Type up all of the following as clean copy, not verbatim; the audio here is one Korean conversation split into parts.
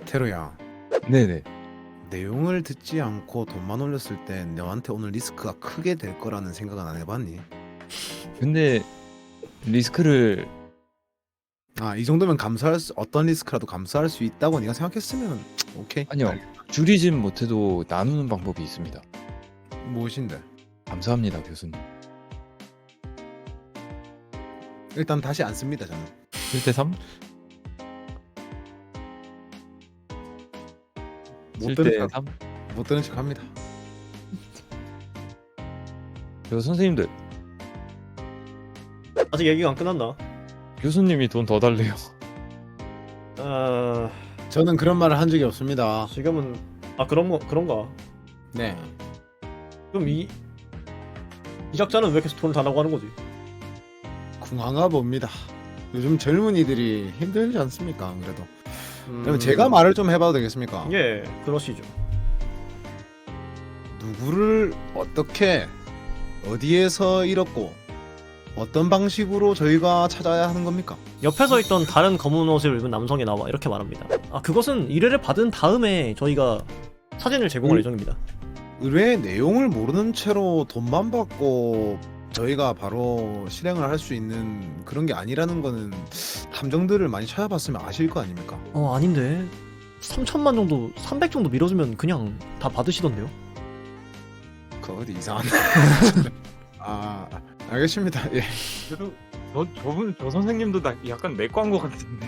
테루야, 네네. 내용을 듣지 않고 돈만 올렸을 때 너한테 오늘 리스크가 크게 될 거라는 생각은 안 해봤니? 근데 리스크를 이 정도면 어떤 리스크라도 감수할 수 있다고 네가 생각했으면 오케이. 아니요. 줄이진 못해도 나누는 방법이 있습니다. 무엇인데? 감사합니다, 교수님. 일단 다시 안 씁니다 저는. 7대 3? 못 들은 7대 척, 3? 못 들은 척합니다. 저 선생님들, 아직 얘기가 안 끝났나? 교수님이 돈 더 달래요. 저는 그런 말을 한 적이 없습니다. 지금은 그런가? 네. 그럼 이 작자는 왜 계속 돈을 달라고 하는 거지? 궁한가 봅니다. 요즘 젊은이들이 힘들지 않습니까? 안 그래도. 그럼 제가 말을 좀 해봐도 되겠습니까? 예, 그러시죠. 누구를 어떻게 어디에서 잃었고 어떤 방식으로 저희가 찾아야 하는 겁니까? 옆에서 있던 다른 검은 옷을 입은 남성이 나와 이렇게 말합니다. 그것은 의뢰를 받은 다음에 저희가 사진을 제공할 예정입니다. 의뢰의 내용을 모르는 채로 돈만 받고 저희가 바로 실행을 할 수 있는 그런 게 아니라는 거는 탐정들을 많이 찾아봤으면 아실 거 아닙니까? 아닌데 3천만 정도, 300 정도 밀어주면 그냥 다 받으시던데요? 그거 어디 이상한데? 알겠습니다. 예. 그래도 저 선생님도 약간 내과인 것 같은데.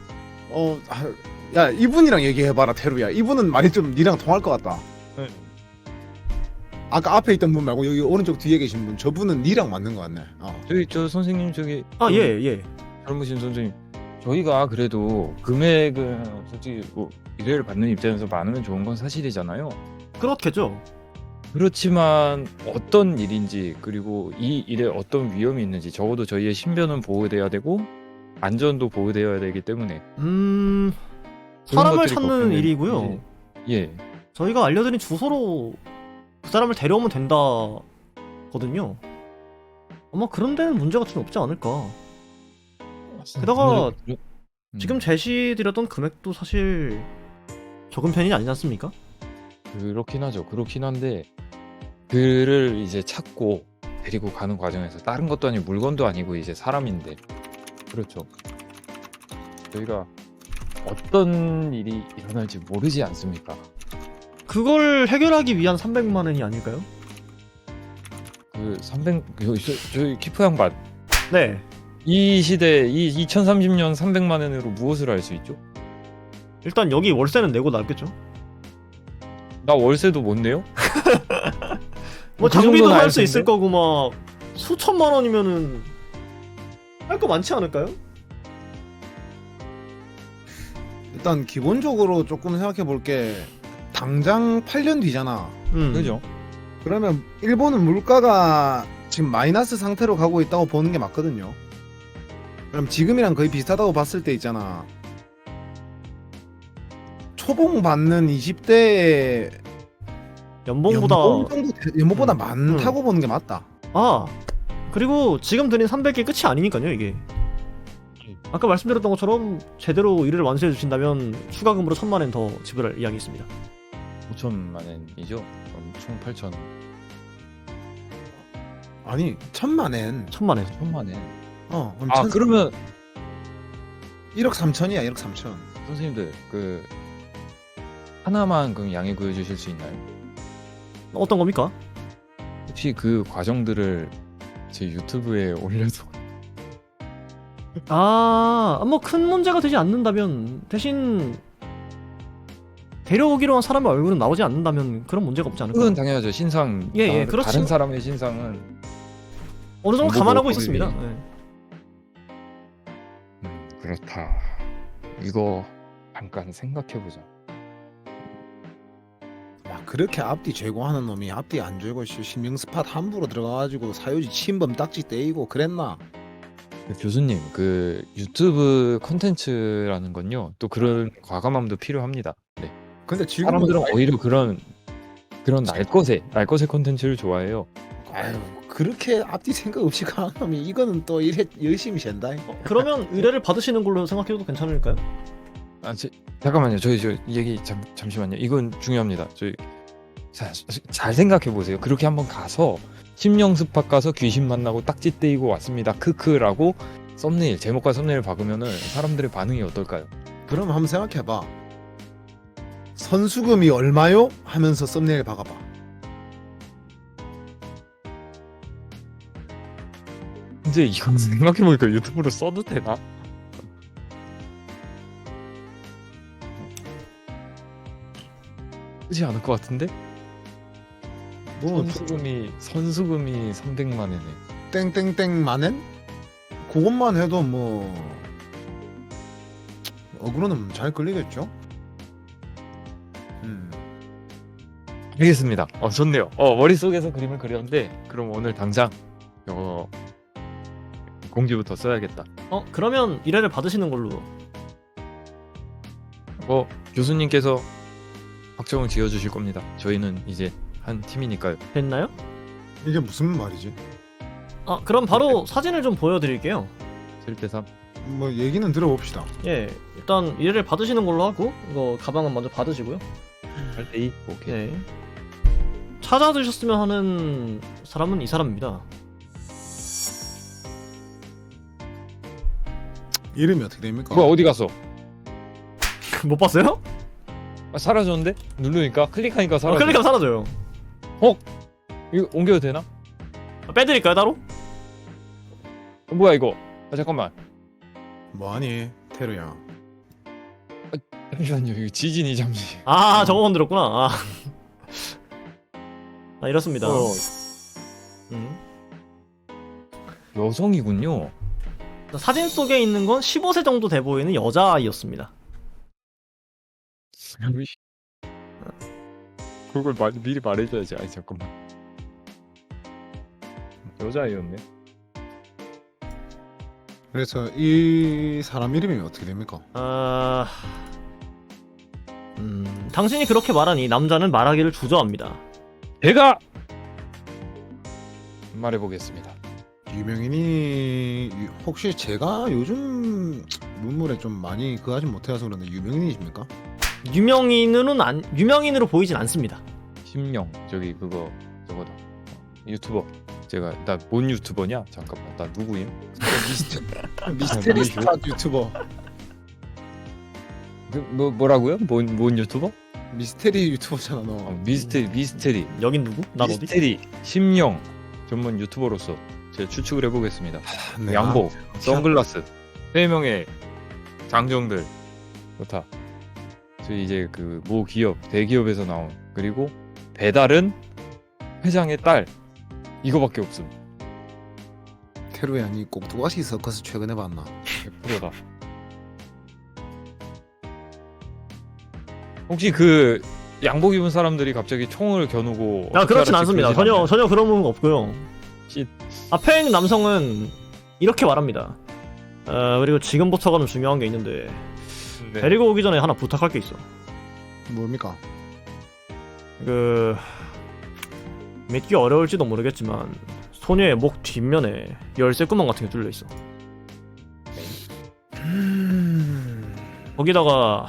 야 이분이랑 얘기해봐라 테루야. 이분은 말이 좀 니랑 통할 것 같다. 네. 아까 앞에 있던 분 말고 여기 오른쪽 뒤에 계신 분, 저분은 니랑 맞는 것 같네. 저 선생님 저기 예. 젊으신 선생님, 저희가 그래도 금액은 솔직히 뭐 의뢰를 받는 입장에서 많으면 좋은 건 사실이잖아요. 그렇겠죠. 그렇지만 어떤 일인지, 그리고 이 일에 어떤 위험이 있는지 적어도 저희의 신변은 보호돼야 되고 안전도 보호되어야 되기 때문에 그런 사람을 것들이 찾는 걱정되는 일이고요. 예. 저희가 알려드린 주소로 그 사람을 데려오면 된다거든요. 아마 그런 데는 문제가 좀 없지 않을까. 게다가 지금 제시드렸던 금액도 사실 적은 편이 아니지 않습니까? 그렇긴 하죠. 그렇긴 한데 그를 이제 찾고 데리고 가는 과정에서 다른 것도 아니고 물건도 아니고 이제 사람인데, 그렇죠. 저희가 어떤 일이 일어날지 모르지 않습니까? 그걸 해결하기 위한 300만 원이 아닐까요? 그 300, 저희 키프 양반, 네. 이 시대, 이 2030년 300만 원으로 무엇을 할 수 있죠? 일단 여기 월세는 내고 나겠죠. 나 월세도 못 내요? 뭐 그 장비도 정도는 할 알 수 있을 텐데? 거고 막 수천만 원이면은 할 거 많지 않을까요? 일단 기본적으로 조금 생각해 볼게. 당장 8년 뒤잖아. 그죠? 그러면 일본은 물가가 지금 마이너스 상태로 가고 있다고 보는 게 맞거든요. 그럼 지금이랑 거의 비슷하다고 봤을 때 있잖아. 초봉 받는 20대의 연봉보다 많다고 보는 게 맞다. 그리고 지금 드린 300개 끝이 아니니까요 이게. 아까 말씀드렸던 것처럼 제대로 의뢰를 완수해 주신다면 추가금으로 1000만 원 더 지불할 이야기 있습니다. 5천만 원이죠? 그럼 총 8천. 아니 1000만엔 1000만 원. 1천만 원. 그럼 그러면 1억 3천이야. 1억 3천. 선생님들 그 하나만 그럼 양해 구해 주실 수 있나요? 어떤 겁니까? 혹시 그 과정들을 제 유튜브에 올려서 뭐 큰 문제가 되지 않는다면, 대신 데려오기로 한 사람의 얼굴은 나오지 않는다면 그런 문제가 없지 않을까. 그건 당연하죠. 신상, 그렇죠. 다른 사람의 신상은 어느 정도 정보 감안하고 보호 있었습니다. 법이- 그렇다. 이거 잠깐 생각해보자. 그렇게 앞뒤 제공하는 놈이 앞뒤 안 죄고 신명 스팟 함부로 들어가가지고 사유지 침범 딱지 떼이고 그랬나? 교수님, 그 유튜브 컨텐츠라는 건요, 또 그런 과감함도 필요합니다. 네. 근데 지금 사람들은 오히려 그런 날 것의 컨텐츠를 좋아해요. 그렇게 앞뒤 생각 없이 가는 놈이 이거는 또 이래 열심히 샌다. 그러면 의뢰를 받으시는 걸로 생각해도 괜찮을까요? 잠깐만요. 저희 저 얘기 잠시만요. 이건 중요합니다. 저희 잘 생각해 보세요. 그렇게 한번 가서 심령 스팟 가서 귀신 만나고 딱지 떼이고 왔습니다. 크크라고 썸네일 제목과 썸네일 박으면은 사람들의 반응이 어떨까요? 그럼 한번 생각해봐. 선수금이 얼마요? 하면서 썸네일 박아봐. 근데 이거 생각해보니까 유튜브로 써도 되나? 쓰지 않을 것 같은데? 뭐 선수금이 300만 원이네. 땡땡땡 만엔? 그것만 해도 뭐 어그로는 잘 끌리겠죠? 알겠습니다. 좋네요. 머릿속에서 그림을 그렸는데 그럼 오늘 당장 공지부터 써야겠다. 그러면 1회를 받으시는 걸로. 교수님께서 확정을 지어주실 겁니다. 저희는 이제 한 팀이니까요. 됐나요? 이게 무슨 말이지? 그럼 바로 사진을 좀 보여드릴게요. 7대3. 뭐 얘기는 들어봅시다. 예, 일단 1회를 받으시는 걸로 하고 이거 가방은 먼저 받으시고요. 8대2. 오케이. 네. 찾아드셨으면 하는 사람은 이 사람입니다. 이름이 어떻게 됩니까? 뭐야 어디 갔어? 못 봤어요? 사라졌는데? 누르니까 클릭하니까 사라져. 클릭하면 사라져요. 이거 옮겨도 되나? 빼드릴까요 따로? 뭐야 이거? 잠깐만. 뭐하니 테루야. 잠시만요. 이거 지진이 잠시. 저거 건드렸구나. 이렇습니다. 여성이군요. 사진 속에 있는 건 15세 정도 돼 보이는 여자아이였습니다. 그걸 미리 말해줘야지. 아니 잠깐만. 여자아이였네. 그래서 이 사람 이름이 어떻게 됩니까? 당신이 그렇게 말하니 남자는 말하기를 주저합니다. 제가 말해보겠습니다. 유명인이 혹시 제가 요즘 문물에 좀 많이 하지 못해서 그런데 유명인이십니까? 유명인으로 보이진 않습니다. 심령 저기 그거 저거다. 유튜버. 나 뭔 유튜버냐? 잠깐만 나 누구임? 미스테리 스타 유튜버. 뭐라고요? 뭔 유튜버? 미스테리 유튜버잖아 너. 미스테리. 여긴 누구? 난 어디? 미스테리 심령 전문 유튜버로서 제가 추측을 해보겠습니다. 양복, 선글라스, 3명의 장정들 좋다. 저희 이제 그 모 기업, 대기업에서 나온 그리고 배달은 회장의 딸 이거밖에 없음. 테루야 니 꼭두가시 서커스 최근에 봤나? 100%다. 혹시 그 양복 입은 사람들이 갑자기 총을 겨누고 그렇진 않습니다. 전혀 그런 부분 없고요. 쉿. 앞에 있는 남성은 이렇게 말합니다. 그리고 지금부터가는 중요한 게 있는데 네. 데리고 오기 전에 하나 부탁할 게 있어. 뭡니까? 믿기 어려울지도 모르겠지만 소녀의 목 뒷면에 열쇠 구멍 같은 게 뚫려 있어. 거기다가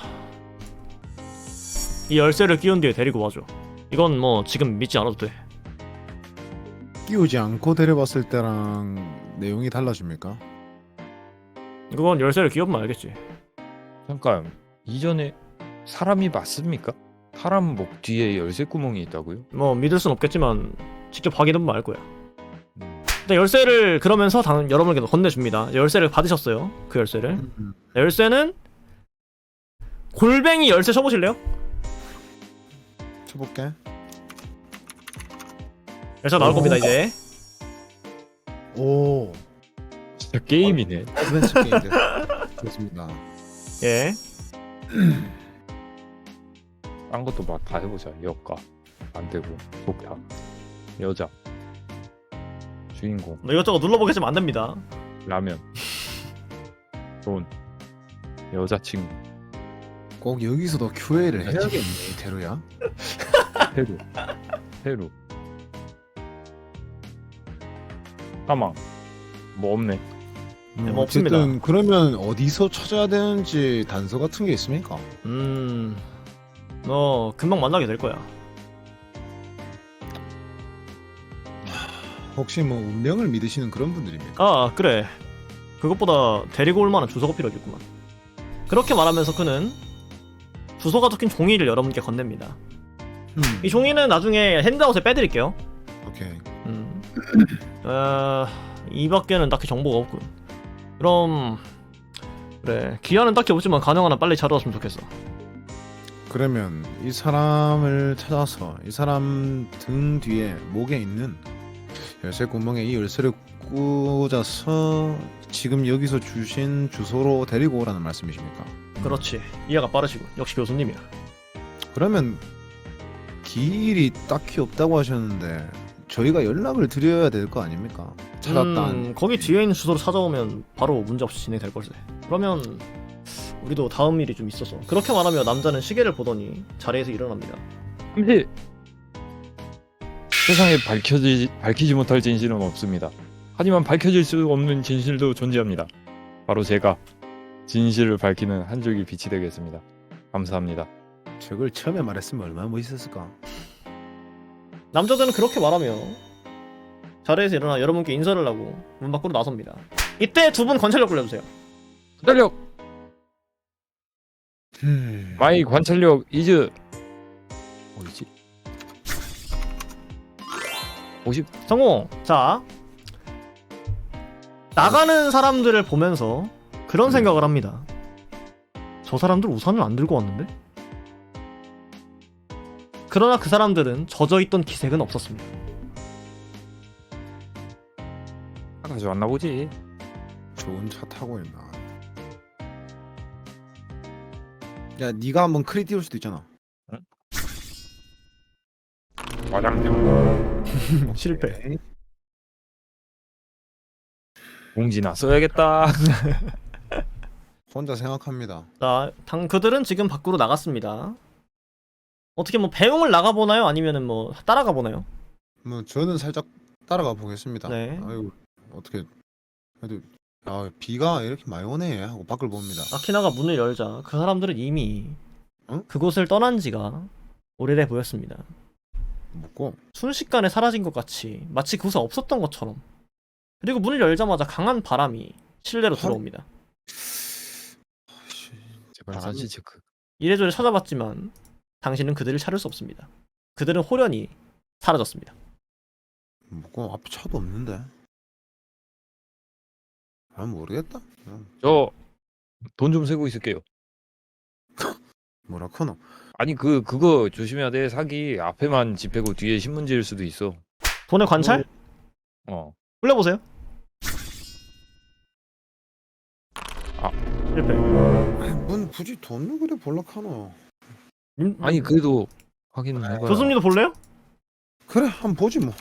이 열쇠를 끼운 뒤에 데리고 와줘. 이건 뭐 지금 믿지 않아도 돼. 끼우지 않고 데려봤을 때랑 내용이 달라집니까? 그건 열쇠를 끼우면 알겠지. 잠깐 이전에 사람이 맞습니까? 사람 목 뒤에 열쇠 구멍이 있다고요? 뭐 믿을 순 없겠지만 직접 확인해보면 알 거야. 근데 열쇠를 그러면서 여러분에게 건네줍니다. 열쇠를 받으셨어요. 그 열쇠를. 열쇠는 골뱅이 열쇠 쳐보실래요? 쳐볼게. 열쇠 나올 겁니다 이제. 오. 진짜 게임이네. 어드벤처 게임 됐습니다. 예. 딴 것도 막 다 해보자. 역가 안 되고 독타 여자 주인공 뭐 이것저것 눌러보겠지만 안 됩니다. 라면 돈 여자친구 꼭 여기서도 QA를 해야겠네 테루야. 페루 사망 뭐 없네. 뭐 없습니다. 어쨌든 그러면 어디서 찾아야 되는지 단서 같은 게 있습니까? 너 금방 만나게 될 거야. 혹시 뭐 운명을 믿으시는 그런 분들입니까? 아, 그래. 그것보다 데리고 올 만한 주소가 필요하겠구만. 그렇게 말하면서 그는 주소가 적힌 종이를 여러분께 건넵니다. 이 종이는 나중에 핸드아웃에 빼드릴게요. 오케이. 이 밖에는 딱히 정보가 없군. 그럼 그래, 기한은 딱히 없지만 가능한 한 빨리 찾아왔으면 좋겠어. 그러면 이 사람을 찾아서 이 사람 등 뒤에 목에 있는 열쇠 구멍에 이 열쇠를 꽂아서 지금 여기서 주신 주소로 데리고 오라는 말씀이십니까? 그렇지, 이해가 빠르시군. 역시 교수님이야. 그러면 길이 딱히 없다고 하셨는데 저희가 연락을 드려야 될 거 아닙니까? 찾았다. 거기 뒤에 있는 주소로 찾아오면 바로 문제없이 진행될 걸세. 그러면 우리도 다음 일이 좀 있어서. 그렇게 말하며 남자는 시계를 보더니 자리에서 일어납니다. 잠시 세상에 밝히지 못할 진실은 없습니다. 하지만 밝혀질 수 없는 진실도 존재합니다. 바로 제가 진실을 밝히는 한 줄기 빛이 되겠습니다. 감사합니다. 저걸 처음에 말했으면 얼마나 멋있었을까? 남자들은 그렇게 말하며 자리에서 일어나 여러분께 인사를 하고 문 밖으로 나섭니다. 이때 두 분 관찰력 굴려주세요. 관찰력! 마이 관찰력 이즈 어디지? 50? 성공! 자, 나가는 사람들을 보면서 그런 생각을 합니다. 저 사람들 우산을 안 들고 왔는데? 그러나 그 사람들은 젖어있던 기색은 없었습니다. 가져왔나 보지. 좋은 차 타고 있나? 야, 네가 한번 크리 띄울 수도 있잖아. 과장님 실패. 오케이. 공지나 써야겠다. 혼자 생각합니다. 자, 그들은 지금 밖으로 나갔습니다. 어떻게 뭐 배웅을 나가보나요? 아니면은 뭐 따라가 보나요? 뭐 저는 살짝 따라가 보겠습니다. 네. 아이고 어떻게 그래도 비가 이렇게 많이 오네 하고 밖을 봅니다. 아키나가 문을 열자 그 사람들은 이미 응? 그곳을 떠난 지가 오래돼 보였습니다. 먹고 순식간에 사라진 것 같이 마치 그곳에 없었던 것처럼. 그리고 문을 열자마자 강한 바람이 실내로 들어옵니다. 제발 사실 체크. 이래저래 찾아봤지만 당신은 그들을 찾을 수 없습니다. 그들은 호련히 사라졌습니다. 먹고 앞에 차도 없는데. 모르겠다. 저 돈 좀 세고 있을게요. 뭐라 카노? 아니 그거 조심해야 돼. 사기 앞에만 집회고 뒤에 신문지일 수도 있어. 돈의 관찰? 어. 굴려보세요. 실패. 뭔 굳이 돈을 그래 볼라 카노? 아니 그래도 확인을 해봐야. 교수님도 볼래요? 그래 한번 보지 뭐.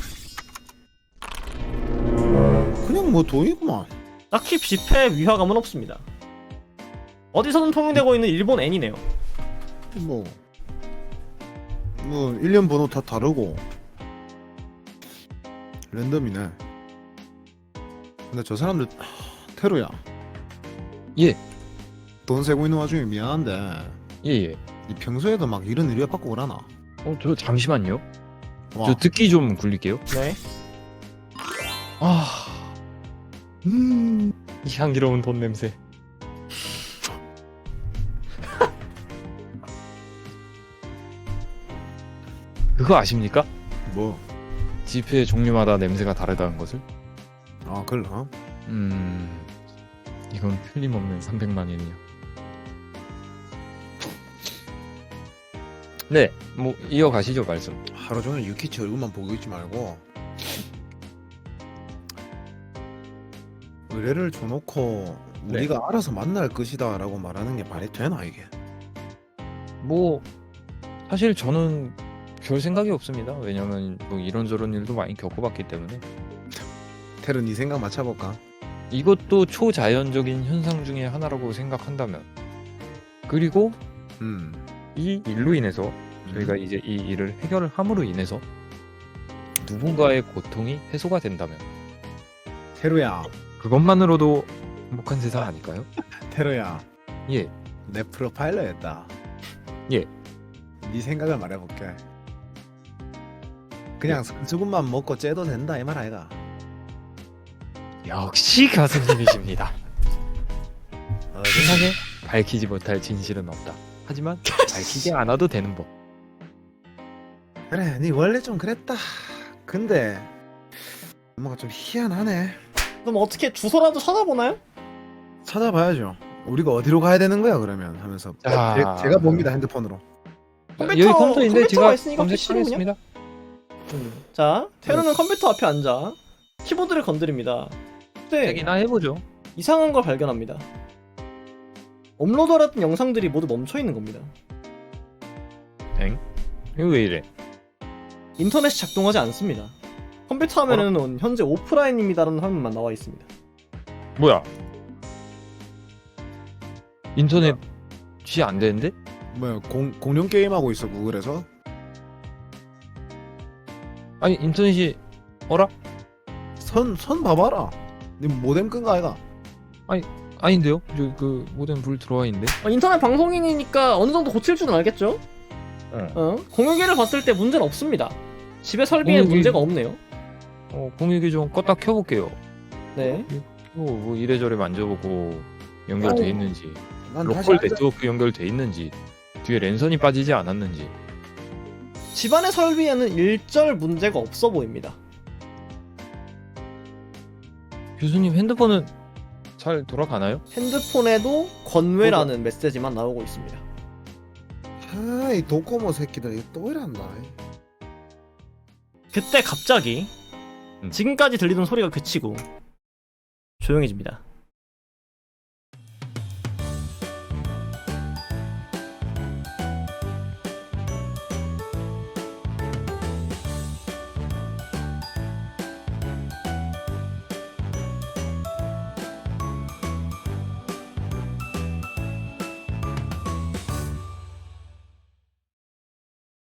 그냥 뭐 돈이구만. 딱히 집회 위화감은 없습니다. 어디서든 통용되고 있는 일본 N이네요. 뭐 1년 번호 다 다르고 랜덤이네. 근데 저 사람들 테루야. 예. 돈 세고 있는 와중에 미안한데 예예. 이 평소에도 막 이런 의뢰 받고 그러나? 저 잠시만요. 와. 저 듣기 좀 굴릴게요. 네. 이 향기로운 돈 냄새. 그거 아십니까? 뭐? 지폐 종류마다 냄새가 다르다는 것을? 그래? 이건 틀림없는 300만원이요. 네, 뭐 이어가시죠 말씀. 하루 종일 유키치 얼굴만 보고 있지 말고 의뢰를 줘놓고 네. 우리가 알아서 만날 것이다 라고 말하는 게 말이 되나 이게? 뭐 사실 저는 별 생각이 없습니다. 왜냐면 뭐 이런저런 일도 많이 겪어봤기 때문에. 테르 네 생각 맞춰볼까? 이것도 초자연적인 현상 중에 하나라고 생각한다면, 그리고 이 일로 인해서 저희가 이제 이 일을 해결을 함으로 인해서 누군가의 고통이 해소가 된다면, 테루야 그것만으로도 행복한 세상 아닐까요? 테러야, 예. 내 프로파일러였다. 예. 네 생각을 말해볼게. 그냥 수분만 먹고 째도 된다 이 말 아이가? 역시 가수님이십니다. 세상에 세상에 밝히지 못할 진실은 없다. 하지만 밝히지 않아도 되는 법. 그래, 네 원래 좀 그랬다. 근데 뭔가 좀 희한하네. 그럼 어떻게 주소라도 찾아보나요? 찾아봐야죠. 우리가 어디로 가야 되는 거야 그러면 하면서 자. 제가 봅니다 핸드폰으로. 여기 컴퓨터인데 컴퓨터가 제가 있으니까 검색하겠습니다. 자, 테루는 컴퓨터 앞에 앉아 키보드를 건드립니다. 그때 얘기나 해보죠. 이상한 걸 발견합니다. 업로드하던 영상들이 모두 멈춰 있는 겁니다. 이거 왜 이래? 인터넷이 작동하지 않습니다. 컴퓨터 화면에는 현재 오프라인입니다라는 화면만 나와 있습니다. 뭐야? 인터넷이 안 되는데? 뭐야 공룡 게임 하고 있어 구글에서? 아니 인터넷이 어라? 선 봐봐라. 네 모뎀 끈 거 아이가? 아닌데요? 저 그 모뎀 불 들어와 있는데? 인터넷 방송인이니까 어느 정도 고칠 줄은 알겠죠? 공유기를 봤을 때 문제는 없습니다. 집에 설비에 공유기- 문제가 없네요. 공유기 좀 껐다 켜볼게요. 네. 뭐 이래저래 만져보고 연결돼 아니, 있는지, 난 다시 로컬 앉아- 네트워크 연결돼 있는지, 뒤에 랜선이 빠지지 않았는지. 집안의 설비에는 일절 문제가 없어 보입니다. 교수님 핸드폰은 잘 돌아가나요? 핸드폰에도 권외라는 메시지만 나오고 있습니다. 아, 이 도코모 새끼들 이거 또 이란다. 그때 갑자기 음. 지금까지 들리던 소리가 그치고 조용해집니다.